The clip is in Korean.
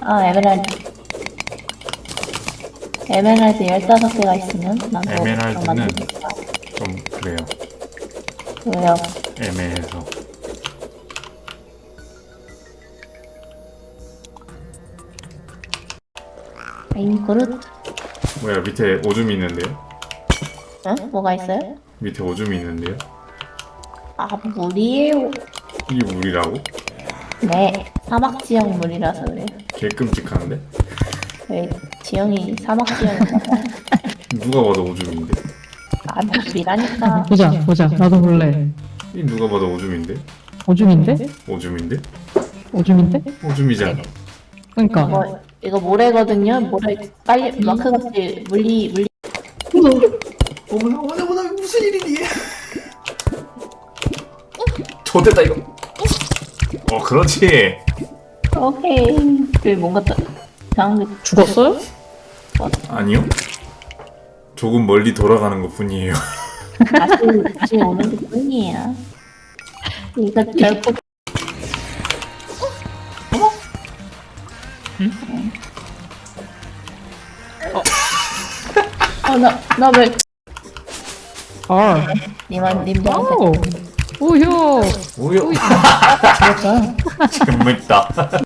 에메랄드. 에메랄드 15개가 있으면 난 그거 에메랄드는 만들 수 있어. 좀 그래요. 왜요? 애매해서. 아잉 그릇? 뭐야, 밑에 오줌이 있는데요? 응? 뭐가 있어요? 밑에 오줌이 있는데요? 아 물이에요. 이게 물이라고? 네 사막 지역 물이라서 그래요. 개 끔찍한데? 왜 지형이 사막 지형인가 봐요. 누가 봐도 오줌인데? 아 물이라니까. 보자. 나도 볼래. 이 누가 봐도 오줌인데? 오줌인데? 오줌인데? 오줌인데? 오줌이잖아. 그러니까. 이거 모래거든요. 모래 빨리 마크같이 물리 어머나 무슨 일이니? 좋됐다 이거. 그렇지. 오케이. 그 뭔가 이상한 게 죽었어요? 아니요. 조금 멀리 돌아가는 것 뿐이에요. 다시 오는 것 뿐이에요. 이거 결국 나 왜 아. 님한테 오. 우효. 오요. 죽었어요. 재밌다.